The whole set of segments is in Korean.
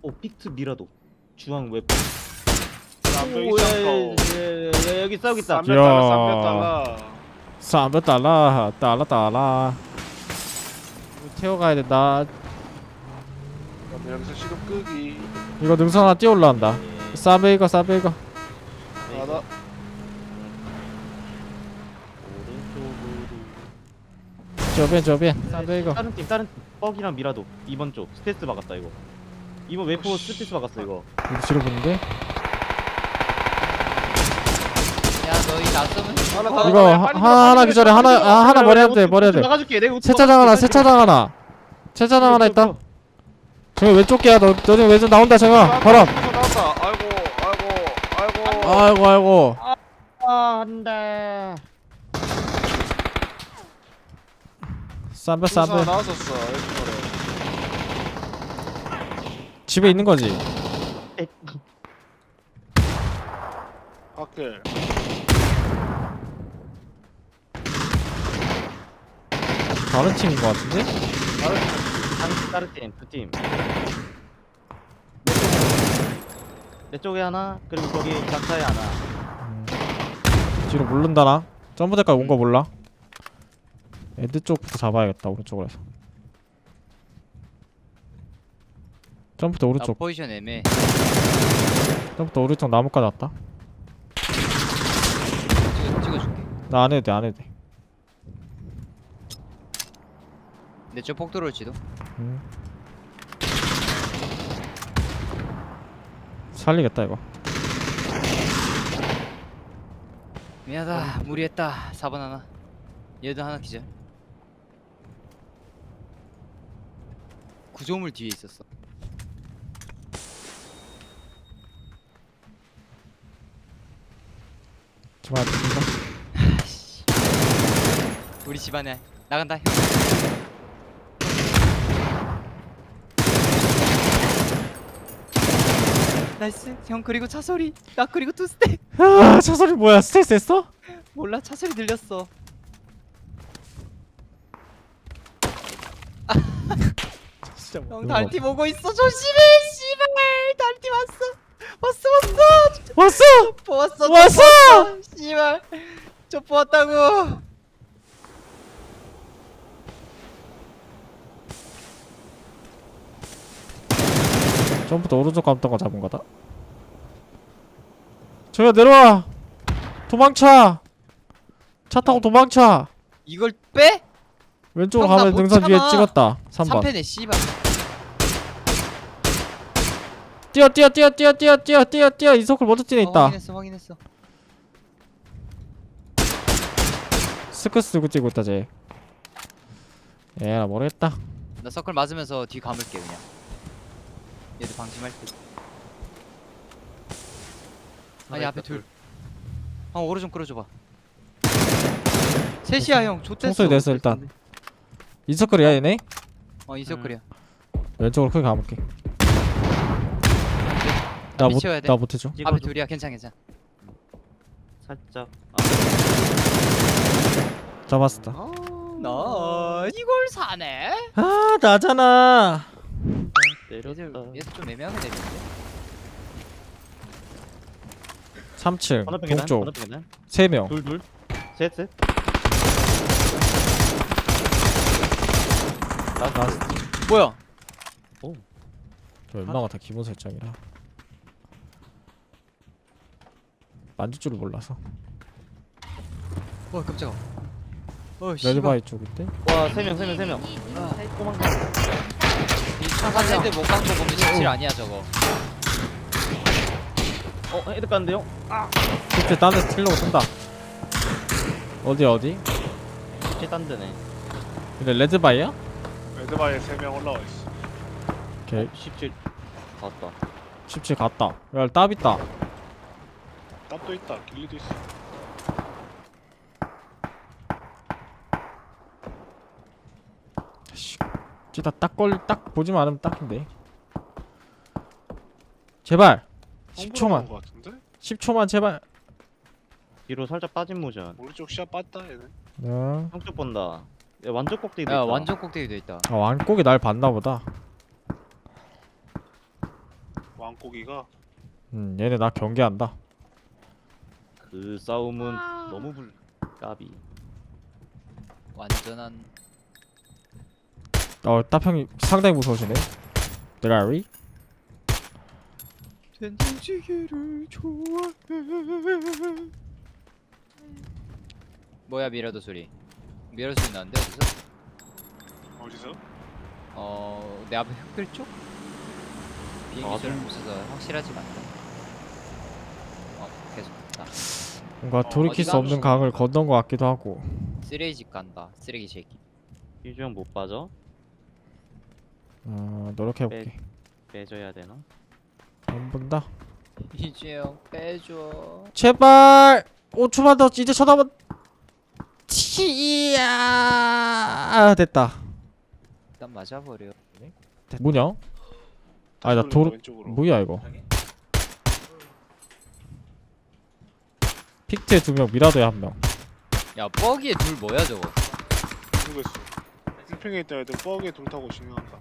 픽트 미라도 중앙 웹. 쌍벽 오, 있잖아. 여기 싸우고 있다. 300달러. 300달러 달러 이거 태워가야 된다. 그럼 여기서 시동 끄기. 이거 능선 하나 뛰어 올라간다. 싸베이거 하나. 오른쪽으로. 저변 싸베이거. 다른 팀 뻑이랑 미라도 2번 쪽 스테이스 박았다 이거. 이번 웨포 스테이스 박았어 이거. 이거 뒤로 보는데? 야 너희 낯서면 하나 이거 하나 기절해. 하나 머리 해야 돼. 머리 해야 돼. 막아줄게. 내가 세차장 하나 세차장 하나 있다. 정이 왼쪽 개야. 너 지금 왼쪽 나온다. 정아 바람. 나왔다. 아이고. 아이고 아 한다. 싸베 나왔었어. 집에 있는 거지. 학교. 다른 팀인 거 같은데? 다른 팀, 두 팀. 내 쪽에 하나, 그리고 거기 작사에 하나. 뒤로 모른다 나. 점프대까지 온 거 몰라. 애들 쪽부터 잡아야겠다. 오른쪽으로 해서. 점프대 나 오른쪽. 포지션 애매해. 점프대 오른쪽 나무까지 왔다. 찍어줄게. 나 안 해도 돼. 안 해도 돼. 내 쪽 폭 들어올지도. 살리겠다 이거. 미안하다. 무리했다. 4번 하나. 얘도 하나 기절. 구조물 뒤에 있었어. 정말 죽인다. 우리 집안에 나간다. 형. 나이스. 형 그리고 차 소리. 나 그리고 투 스텝. 아, 저 소리 뭐야? 스트레스 했어? 몰라 차 소리 들렸어. 진짜 형 달팀 오고 있어. 조심해. 씨발. 달팀 왔어. 왔어. 보았어. 왔어! 씨발. 저 보았다고. 전부터 오른쪽 감던 거 잡은 거다. 저기야 내려와. 도망쳐. 차 타고 도망쳐. 이걸 빼? 왼쪽으로 형, 나 가면 못 능선 위에 참아. 찍었다. 3번. 3패네 씨발. 뛰어. 이서클 먼저 뛰네 있다. 확인했어. 스크 쓰고 뛰고 있다 쟤. 나 모르겠다. 나 서클 맞으면서 뒤 감을게 그냥. 얘들 방심할 듯. 아니 앞에 둘. 오로 좀 끌어줘봐. 셋이야 형. 좆됐어. 총소리 냈어 일단. 이서클이야 얘네? 이 서클이야. 왼쪽으로 크게 가볼게. 미쳐야 돼. 나 못해줘. 앞에 둘이야. 괜찮아. 살짝. 잡았다. 나 이걸 사네. 아 나잖아. 내렸다. 얘들 좀 애매하게 내리는데. 3층 건너편 계단. 동쪽 건너편 계단. 3명. 둘. 셋. 나스. 뭐야? 저 웬만한 다 기본 설정이라 만질 줄을 몰라서. 깜짝아. 씨발. 레드바이 쪽인데? 와, 세 명. 이차한 헤드 못간 거 보면 17 아니야 저거. 헤드 깠는데요? 그때 딴 데서 틸려고 쏜다. 어디? 딴 데네. 근데 레드바이야? 레드바이에 3명 올라와 있어. 오케이 17 갔다. 17 갔다. 야 땀 있다. 땀도 있다. 길리도 있어. 씨, 찌다 딱 보지만 않으면 딱인데. 제발 10초만. 거 같은데? 10초만 제발. 뒤로 살짝 빠진 모션. 오른쪽 시야 빠졌다 얘는. 형쪽 본다. 야, 완전 꼭대기도 야 있다. 완전 꼭대기 돼 있다. 완곡이 날 봤나 보다. 왕고기가 얘네 나 경계한다. 그 싸움은 너무 까비. 완전한 따평이 상당히 무서우시네. 드라리? 된장찌개를 좋아해. 뭐야 미라도 소리. 미라도 소리 나는데 어디서? 어디서? 내 앞에 흑들 쪽? 비행기 아, 소리 없어서 확실하지가 않다. 계속 갔다. 뭔가 돌이킬 수 어디가 없는 강을 건넌 것 같기도 하고. 쓰레기집 간다. 쓰레기 새끼. 휴지형 못 빠져? 노력해볼게. 빼줘야 되나? 안 본다. 이재영 빼줘. 제발 5초만 더 이제 쳐다봐. 치야 됐다. 일단 맞아버려. 뭐냐? 아니, 나 다시 도로- 돌린다, 왼쪽으로. 뭐야 이거? 픽트에 2명, 미라도에 1명. 야 뻐기에 둘 뭐야 저거? 모르겠어. 필핑에 있던 애들 뻐기에 돌 타고 진행한다.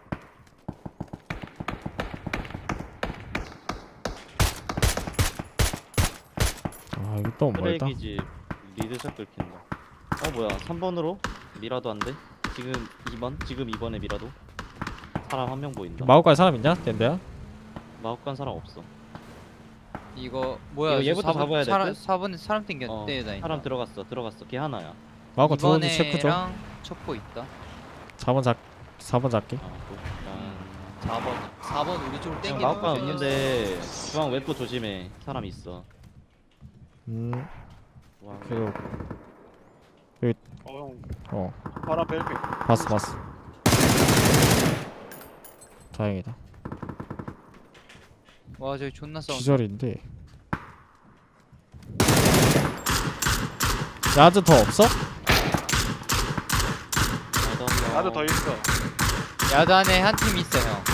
이거 너무 멀다. 쓰레기집 리드샷 긁힌다. 뭐야 3번으로 미라도 안 돼? 지금 2번? 지금 2번에 미라도 사람 한 명 보인다. 마오카이 사람 있냐? 덴데야? 마법관 사람 없어. 이거 뭐야? 이거 얘부터 잡아야 될 듯? 4번에 사람 땡겨 어, 땡겨다니. 사람 들어갔어. 걔 하나야. 마오카이 들어오는지 체크 좀. 이번에랑 첩보 있다. 4번 잡게. 일단 4번 우리 쪽으로 땡기는 마법관 거지. 없는데 중앙 웹도 조심해. 사람 있어. 와, 그리고 형. 바로 앞에 필핑. 봤어. 다행이다. 와 저기 존나 싸운다. 기절인데. 야즈 더 없어? 나도 더 있어. 야드 안에 한 팀 있어 형.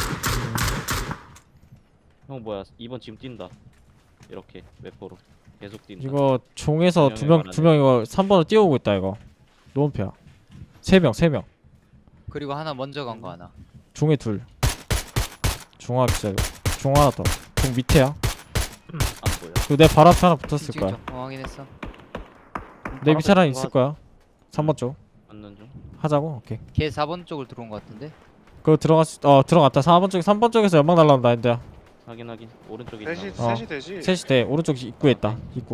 형 뭐야 2번 지금 뛴다. 이렇게 웹포로 계속 뛴다. 이거 종에서 두 2명 명이 2명 이거 3번으로 뛰어오고 있다 이거. 노원패야. 3명. 그리고 하나 먼저 간 거 하나. 종에 2. 종아 기절. 종 하나 더. 종 밑에야. 안 보여. 그리고 내 발 앞에 하나 붙었을 지금 거야. 확인했어. 내 밑에 하나 있을 거야. 3번 쪽. 맞는 중. 하자고. 오케이. 걔 4번 쪽으로 들어온 거 같은데. 그거 들어갔다. 4번 쪽에서 연막 날라온다 인데야. 확인. 오른쪽에 있다. 셋이 되지. 셋이 돼. 오른쪽 입구에 있다. 입구.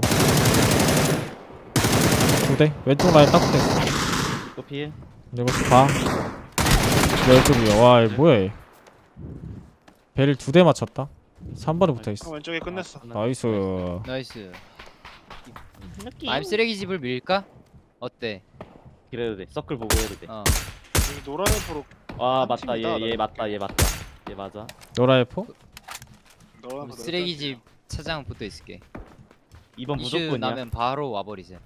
2대. 왼쪽 라인 딱 붙어 있어. 이거 피해. 이거 봐. 왼쪽이야. 와, 이거 뭐야 얘. 배를 2대 맞췄다. 3번에 붙어 있어. 왼쪽에 끝냈어. 나이스. 나이스. 알 쓰레기 집을 밀까? 어때? 그래도 돼. 서클 보고 해도 돼. 여기 노란 앱으로 한 맞다. 팀이다, 얘 맞다. 얘 맞아. 노라이포? 너랑 쓰레기 집 차장 붙어 있을게. 2번 이슈 무조건이야. 나면 바로 와버리자.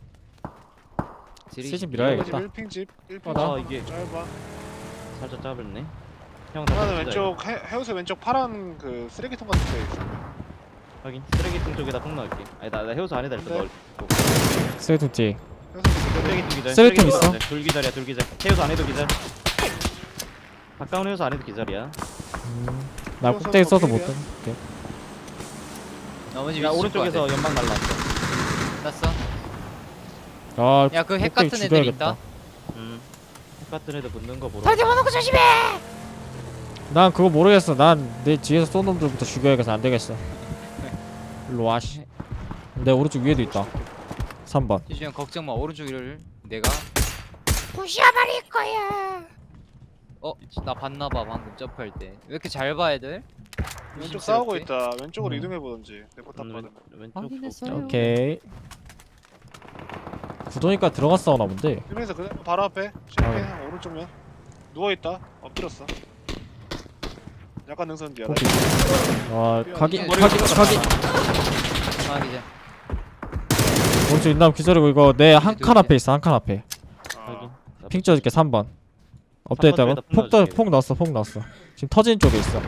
세집 밀어야겠다. 1핑집 1핑. 나 이게 짧아. 살짝 짧았네. 형 하나는 왼쪽 해우소 왼쪽 파란 그 쓰레기통 같은 데 있어. 확인. 쓰레기통 쪽에다 폭 넣을게. 아니 나 해우소 안에다 일단 네. 넣을. 세이통 뒤. 해우소 쓰레기통 기절. 쓰레기통 있어? 기절. 둘 기절이야. 둘 기절. 해우소 안에도 기절. 가까운 해우소 안에도 기절이야. 나 써서 꼭대기 써서 못 필이야? 뜬. 나머지 야 위치 오른쪽에서 연막 날라왔어. 났어. 아, 야 그 핵 꼭대기 같은 애들 죽여야겠다. 있다. 똑같은 애들 붙는 거 보러. 난 그거 모르겠어. 난 내 뒤에서 쏜 놈들부터 죽여야겠어. 안 되겠어. 일로 와 씨. 내 오른쪽 위에도 있다. 3번. 지주형 걱정 마. 오른쪽 이를 내가 부셔버릴 거야. 나 봤나봐 방금 점프할 때. 왜 이렇게 잘 봐 애들? 왼쪽 싸우고 의심스럽게? 있다. 왼쪽으로 음. 이동해 보든지. 내거 딱 받으면. 왼쪽. 확인했어요. 오케이. 구도니까 들어가 싸우나 본데. 이러면서 그냥 바로 앞에 쉐이킹 오른쪽면 누워 있다. 엎드렸어. 약간 능선 뒤야. 오케이. 아, 각이 머리가 각이 아 기자. 오른쪽 인남 기절이고 이거 내 한 칸 앞에 있어. 한 칸 앞에. 확인. 핑 찍어줄게 3번. 엎드려 있다고? 쪽에다 폭 넣어줄게. 폭 넣었어. 지금 터진 쪽에 있어.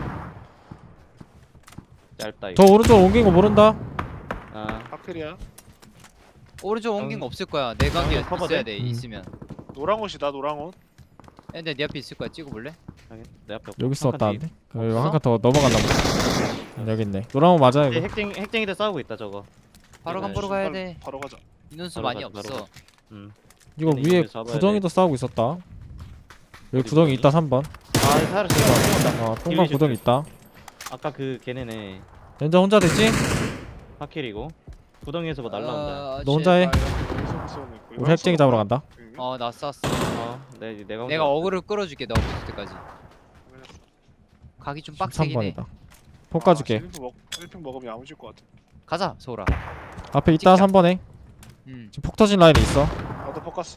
짧다 저 이거. 오른쪽 옮긴 거 모른다. 하클이야. 오른쪽 옮긴 거 없을 거야. 내 각이 커버돼? 있어야 돼. 있으면. 노랑 옷이다. 노랑 옷. 근데 네 앞에 있을 거야. 찍어볼래? 확인. 내 앞에 여기 한 칸 있었다는데? 뒤에. 이거 한 칸 더 넘어갔나 보다. 여기 있네. 노란 거 맞아 이거. 핵쟁이들 싸우고 있다 저거. 바로 네, 간보러 가야 바로- 돼. 바로 가자. 인원수 바로 많이 가자, 바로 없어. 가자. 이거 근데 위에 이거 잡아야 구덩이도 싸우고 있었다. 여기 구덩이 있다 3번. 아 사를 쏜다. 통과 딜리지 구덩이 있다. 아까 그 걔네네 렌저 혼자 됐지? 파킬이고 구덩이에서 뭐 날라온다. 너 혼자 해. 계속 쏘고 있고. 우리 핵쟁이 잡으러 간다. 어나 쐈어. 내가 내가 혼자 어그를 끌어줄게 너 붙을 때까지. 가기 좀 빡세긴 해. 3번이다. 폭 까줄게. 1핑 먹으면 야무질 것 같아. 가자 소라. 앞에 있다 찍자. 3번에. 지금 폭 터진 라인에 있어. 나도 포커스.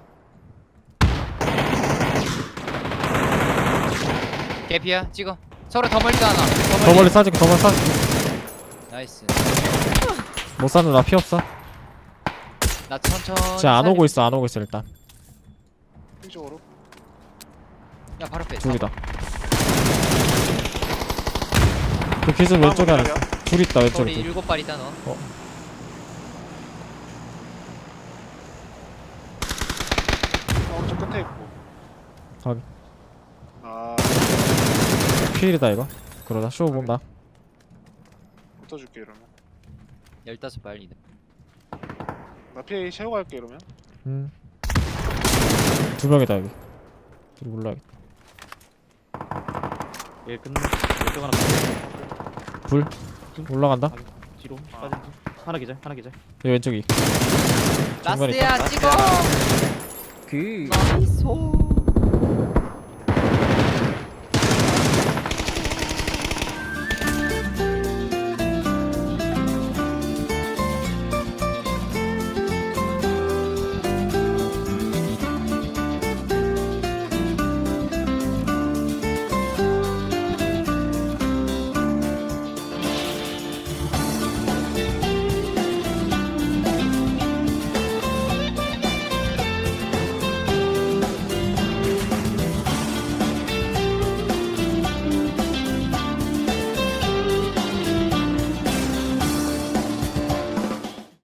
개피야 찍어. 서로 더 멀리 하나. 더 멀리 쏴줄게. 더 멀리 쏴줄게. 나이스. 못 쐈는데 나 피 없어. 나 천천히. 진짜 안 오고 있어. 안 오고 있어 일단. 이쪽으로. 야 바로 빼. 둘이다. 그 기준 왼쪽에 하나 있어. 둘 있다 왼쪽에 우리 둘. 7발이다 너. 오른쪽 끝에 있고. 확인. 아, 필이다 이거. 그러다 쇼 본다. 붙어줄게 이러면. 15발이다. 나 피해 채우고 갈게 이러면. 두 명이다 여기. 둘이 올라야겠다. 얘 끝내. 왼쪽 하나 빠져. 불 올라간다. 뒤로 빠진 중. 하나 기절. 여기 왼쪽이. 중간에 라스트야 찍어. 그 나이스.